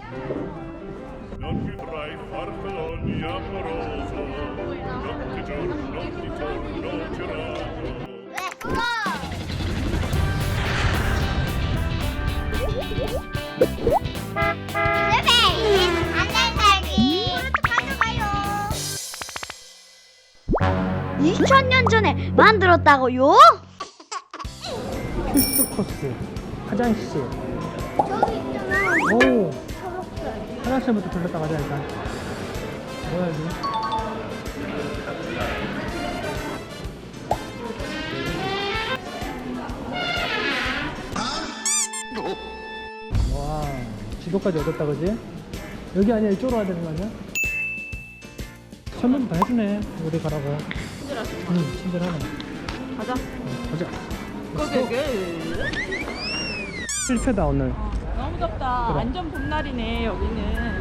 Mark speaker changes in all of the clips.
Speaker 1: Non vedrai farfalloni amoroso, notte giorno di torno girato.
Speaker 2: 안달살기 가져가요. 2000년 전에 만들었다고요?
Speaker 3: 필수 코스 화장실.
Speaker 2: 저기 있잖아.
Speaker 3: 오,
Speaker 2: 초록색.
Speaker 3: 화장실부터 들렀다 가자 일단. 뭐야 이게? 와, 지도까지 얻었다 그지? 여기 아니야, 이쪽으로 와야 되는 거 아니야? 설명 다 해주네. 어디 가라고.
Speaker 4: 친절하시.
Speaker 3: 응, 친절하네.
Speaker 4: 가자.
Speaker 3: 가자.
Speaker 4: 고고고.
Speaker 3: 실패다 오늘.
Speaker 4: 너무 덥다.
Speaker 3: 그래.
Speaker 4: 완전 봄날이네 여기는.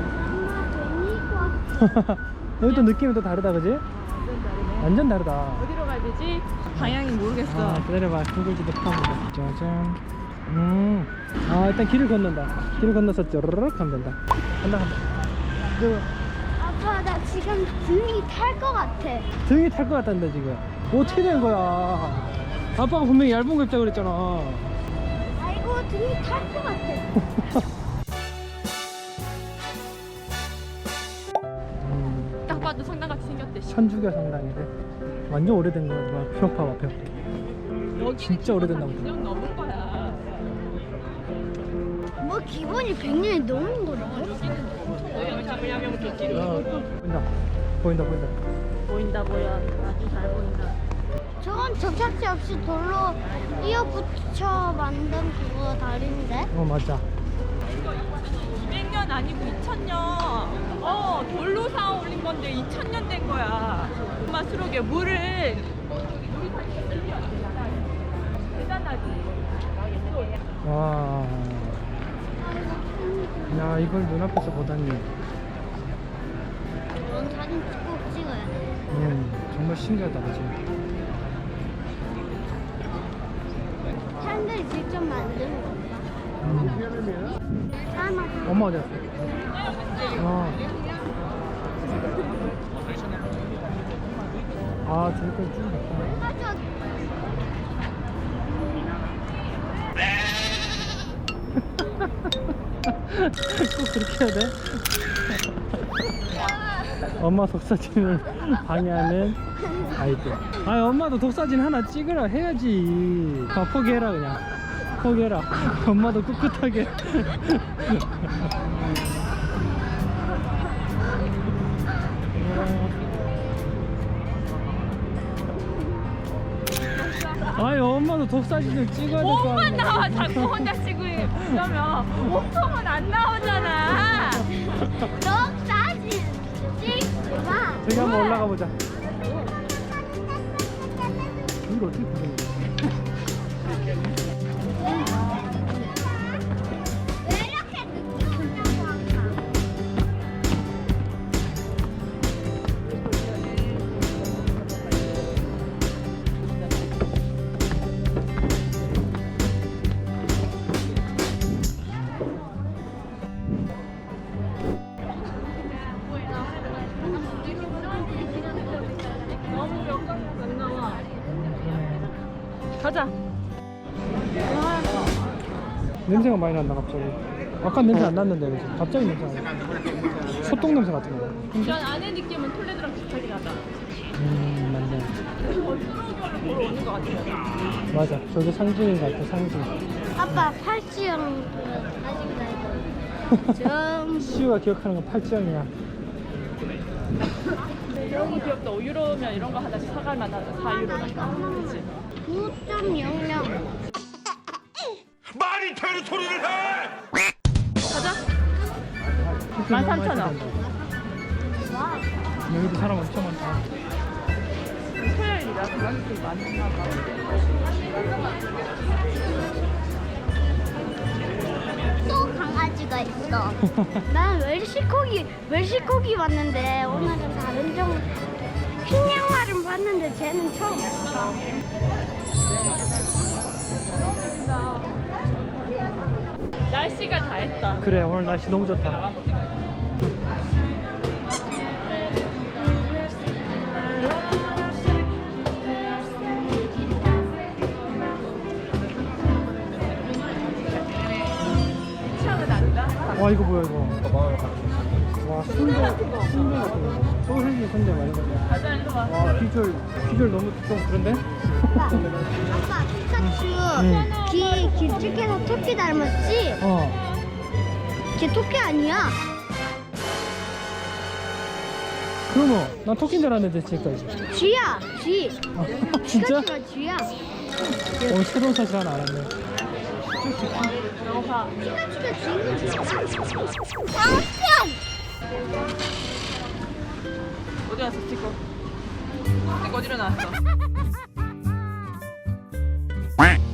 Speaker 3: 여기도 느낌이 또 다르다 그지?
Speaker 4: 완전 다르네.
Speaker 3: 완전 다르다.
Speaker 4: 어디로 가야 되지? 방향이 모르겠어.
Speaker 3: 아, 기다려봐. 구글 지도 펴보자. 짜잔. 아, 일단 길을 건넌다. 길을 건너서 쪼르륵 하면 된다. 간다.
Speaker 2: 아빠 나 지금 등이 탈 것 같아.
Speaker 3: 등이 탈 것 같단다 지금. 어떻게 된 거야? 아빠가 분명히 얇은 거 입자고 그랬잖아.
Speaker 2: 아이고 등이 탈 것 같아.
Speaker 4: 딱 봐도 성당같이 생겼대.
Speaker 3: 천주교 성당이래. 완전 오래된 거야. 벽 봐봐 벽.
Speaker 4: 여기는
Speaker 3: 진짜 오래됐나 보다.
Speaker 4: 100년 넘은 거야.
Speaker 2: 뭐 기본이 100년이 넘은 거라고?
Speaker 4: 여기는 자물야명 조끼로.
Speaker 3: 보인다. 보인다 보인다.
Speaker 4: 보인다 보여. 아주 잘 보인다.
Speaker 2: 저건 접착제 없이 돌로 이어붙여 만든 그거 다리인데?
Speaker 3: 어 맞아.
Speaker 4: 200년 아니고 2000년. 돌로 쌓아 올린 건데 2000년 된 거야. 엄마 수록에 물을 대단하지.
Speaker 3: 와. 야 이걸 눈앞에서 보다니.
Speaker 2: 이런 사진 꼭 찍어야 돼.
Speaker 3: 정말 신기하다 그치?
Speaker 2: 사람들이 직접 만든 건가? 사람
Speaker 3: 엄마 어디 갔어? 아 저기까지 쭉 갔다.
Speaker 2: 맞아.
Speaker 3: 꼭 그렇게 해야 돼? 엄마 독사진을 방해하는 아이들. 아 엄마도 독사진 하나 찍으라 해야지. 아 포기해라 그냥. 포기해라. 엄마도 꿋꿋하게. 아이 엄마도 독사진을 찍어야 될 거
Speaker 4: 몸만
Speaker 3: 아니야.
Speaker 4: 나와. 자꾸 혼자 찍으면 몸통은 안 나오잖아.
Speaker 2: 너 사진 찍지 마.
Speaker 3: 저기 한번 올라가 보자. 이걸 어떻게 보는 거야?
Speaker 2: 왜 이렇게 늦게 오냐고 항상.
Speaker 4: 너무 몇 가지가 안 나와. 가자.
Speaker 3: 냄새가 많이 난다 갑자기. 아까 냄새 안 났는데 그치? 갑자기 냄새 안 나. 소똥 냄새 같은 거.
Speaker 4: 전 안에 느낌은 톨레드랑 비슷하게 나다.
Speaker 3: 맞네.
Speaker 4: 수로결로 보러 오는 것 같아요.
Speaker 3: 맞아. 저게 상징인 것 같아 상징.
Speaker 2: 아빠 팔찌형 아직 좀
Speaker 3: 시우가 기억하는 건 팔찌형이야.
Speaker 4: 너무 귀엽다. 5유로면 이런 거 하나씩 사갈 만하다. 4유로니까. 그치?
Speaker 2: 9.00.
Speaker 1: 말이 되는 소리를 해!
Speaker 4: 가자. 13,000원.
Speaker 3: 여기도 사람 엄청 많다.
Speaker 4: 토요일이라 관광객들이 많나 봐.
Speaker 2: 또 강아지가 있어. 난 웰시코기 봤는데 오늘은 다른 종 흰 양말은 봤는데 쟤는 처음 봤어.
Speaker 4: 날씨가 다 했다.
Speaker 3: 그래 오늘 날씨 너무 좋다.
Speaker 4: 차는 안다.
Speaker 3: 와 이거 뭐야 이거. 와 순대 같은 거. 소세지 순대 말이야.
Speaker 4: 가자 일로 와.
Speaker 3: 와 비주얼 너무 좀 그런데?
Speaker 2: 아빠 피카츄
Speaker 3: 응.
Speaker 2: 귀 길쭉해서 토끼 닮았지?
Speaker 3: 어.
Speaker 2: 걔 토끼 아니야.
Speaker 3: 그러면 난 토끼인 줄 알았는데 지금까지.
Speaker 2: 쥐야 쥐.
Speaker 3: 아, 진짜?
Speaker 2: 피카츄가 쥐야.
Speaker 3: 오늘 새로운 사실 하나 알았네.
Speaker 4: 너가
Speaker 2: 피카츄가 쥐인 줄 알아? 당편.
Speaker 4: 어디 갔어 찍고? 찍고 어디로 나왔어?